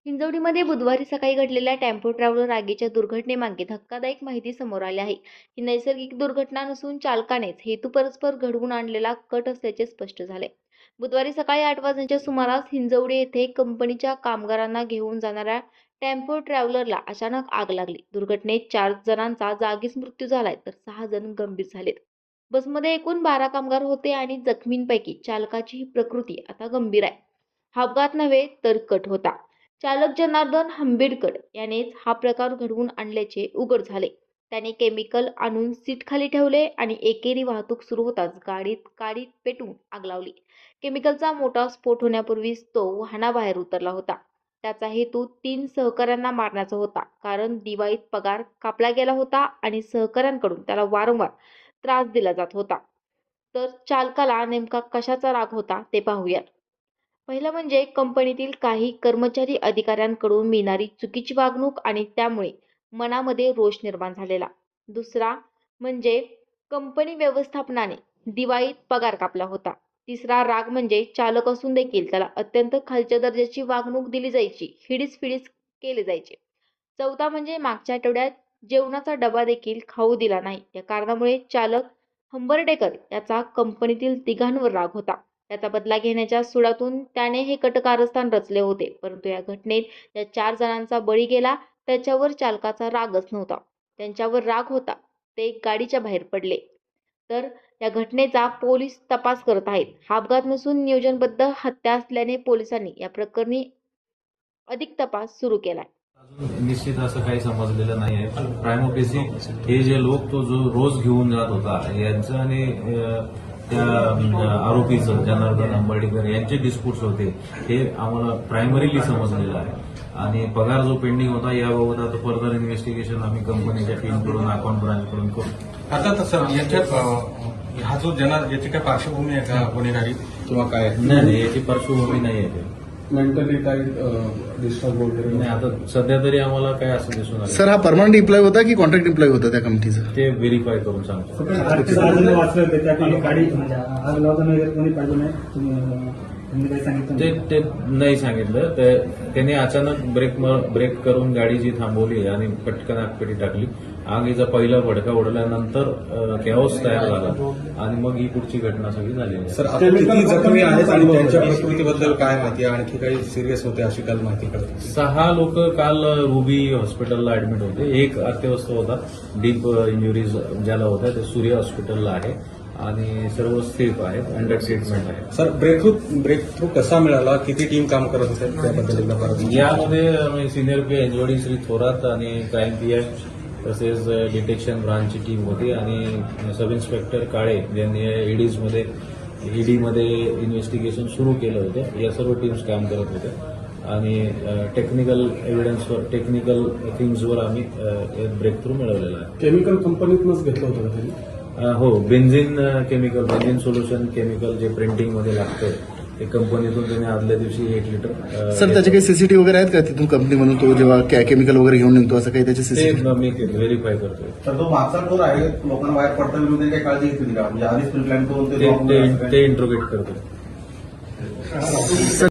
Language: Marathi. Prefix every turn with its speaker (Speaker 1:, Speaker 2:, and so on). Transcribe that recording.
Speaker 1: हिंजवडीमध्ये बुधवारी सकाळी घडलेल्या टेम्पो ट्रॅव्हलर आगीच्या दुर्घटनेमागे धक्कादायक माहिती समोर आली आहे. ही नैसर्गिक दुर्घटना नसून चालकानेच हेतुपुरस्सर घडवून आणलेला कट असल्याचे स्पष्ट झाले. बुधवारी सकाळी 8 वाजण्याच्या सुमारास हिंजवडी येथे कंपनीच्या कामगारांना घेऊन जाणाऱ्या टेम्पो ट्रॅव्हलरला अचानक आग लागली. दुर्घटनेत 4 जणांचा जागीच मृत्यू झालाय तर 6 जण गंभीर झालेत. बसमध्ये एकूण 12 कामगार होते आणि जखमींपैकी चालकाची प्रकृती आता गंभीर आहे. हा अपघात नव्हे तर कट होता. चालक जनार्दन हंबीडकर यानेच हा प्रकार घडवून आणल्याचे उघड झाले. त्याने केमिकल आणून सीटखाली ठेवले आणि एकेरी वाहतूक सुरू होताच गाडीत पेटवून आग लावली. केमिकलचा मोठा स्फोट होण्यापूर्वीच तो वाहनाबाहेर उतरला होता. त्याचा हेतू 3 सहकाऱ्यांना मारण्याचा होता, कारण दिवाळीत पगार कापला गेला होता आणि सहकाऱ्यांकडून त्याला वारंवार त्रास दिला जात होता. तर चालकाला नेमका कशाचा राग होता ते पाहूया. पहिलं म्हणजे कंपनीतील काही कर्मचारी अधिकाऱ्यांकडून मिळणारी चुकीची वागणूक आणि त्यामुळे मनामध्ये रोष निर्माण झालेला. दुसरा म्हणजे कंपनी व्यवस्थापनाने दिवाळीत पगार कापला होता. तिसरा राग म्हणजे चालक असून देखील त्याला अत्यंत खालच्या दर्जाची वागणूक दिली जायची, हिडीस केले जायचे. चौथा म्हणजे मागच्या आठवड्यात जेवणाचा डबा देखील खाऊ दिला नाही. या कारणामुळे चालक हंबर्डेकर याचा कंपनीतील तिघांवर राग होता. त्याचा बदला घेण्याच्या सुडातून त्याने हे कटकारस्थान रचले होते. परंतु या घटनेत ज्या 4 जणांचा बळी गेला त्याच्यावर चालकाचा रागच नव्हता. त्यांच्यावर राग होता. ते गाडीच्या बाहेर पडले. तर या घटनेचा पोलीस तपास करत आहेत. हा अपघात नसून नियोजनबद्ध हत्या असल्याने पोलिसांनी या प्रकरणी अधिक तपास सुरू केलाय.
Speaker 2: अजून निश्चित असं काही समजलेलं नाही आहे. प्रायमो फेसी हे जे लोक तो जो रोज घेऊन जात होता यांचं आणि त्या आरोपीचं जनार्दन हंबर्डेकर यांचे डिस्प्यूट्स होते हे आम्हाला प्रायमरीली समजलेलं आहे. आणि पगार जो पेंडिंग होता याबाबत आता फर्दर इन्व्हेस्टिगेशन आम्ही कंपनीच्या टीमकडून अकाउंट ब्रांचकडून करू.
Speaker 3: आता सर याच्यात हा जो याची काय पार्श्वभूमी आहे का गुन्हेगारी किंवा काय?
Speaker 2: नाही, याची पार्श्वभूमी नाही आहे.
Speaker 3: मेंटली काही डिस्टर्ब वगैरे
Speaker 2: नाही, आता सध्या तरी आम्हाला काय असं दिसून आलं.
Speaker 4: सर, हा परमनंट एम्प्लॉय होता की कॉन्ट्रॅक्ट एम्प्लॉय होता त्या कंपनीचा?
Speaker 2: ते व्हेरीफाय करून सांगतो.
Speaker 5: वाचले होते त्या गाडी म्हणजे आग लावताना वगैरे कोणी पाहिजे नाही, तुम्ही काही सांगितलं?
Speaker 2: ते नाही सांगितलं. त्याने अचानक ब्रेक करून गाडी जी थांबवली आणि पटकन आगपेटी टाकली. आगीचा पहिला भडका उडल्यानंतर कॅओस तयार झाला आणि मग ही पुढची घटना सगळी झाली.
Speaker 3: सर, आता किती जखमी आहेत आणि त्यांच्या प्रकृतीबद्दल काय माहिती? आणखी काही सिरियस होते अशी काल माहिती कळते?
Speaker 2: 6 लोक काल रुबी हॉस्पिटलला ऍडमिट होते. एक अत्यवस्थ होता, डीप इंजुरीज ज्याला होत्या, ते सूर्य हॉस्पिटलला आहे आणि सर्व सेफ आहेत, अंडर ट्रीटमेंट आहे.
Speaker 3: सर, ब्रेक थ्रू कसा मिळाला? किती टीम काम करत होते त्याबद्दल एकदा परत?
Speaker 2: यामध्ये सिनियर पी हिंजवडी श्री थोरात आणि क्राईम पीआय तसेच डिटेक्शन ब्रांचची टीम होती आणि सब इन्स्पेक्टर काळे यांनी ईडीमध्ये इन्व्हेस्टिगेशन सुरू केलं होतं. या सर्व टीम्स काम करत होत्या आणि टेक्निकल एव्हिडन्सवर, टेक्निकल थिंग्सवर आम्ही ब्रेक थ्रू मिळवलेला आहे.
Speaker 3: केमिकल कंपनीतूनच घेतलं होतं का त्यांनी?
Speaker 2: हो, बेन्झिन सोल्युशन केमिकल जे प्रिंटिंगमध्ये लागतं ते कंपनीतून त्यांनी आदल्या दिवशी 1 लिटर.
Speaker 4: सर, त्याचे काही सीसीटीव्ही वगैरे आहेत का तिथून कंपनी म्हणून तो जेव्हा केमिकल वगैरे घेऊन निघतो असं काही त्याचे सीसीटीव्ही?
Speaker 2: मी व्हेरीफाय करतोय.
Speaker 6: तर तो मागचा टोर आहे, लोकांना बाहेर पडता विरोधी काही काळजी घेतली का? म्हणजे आधीच प्रिप्लॅन करून
Speaker 2: ते इंट्रोगेट करतोय.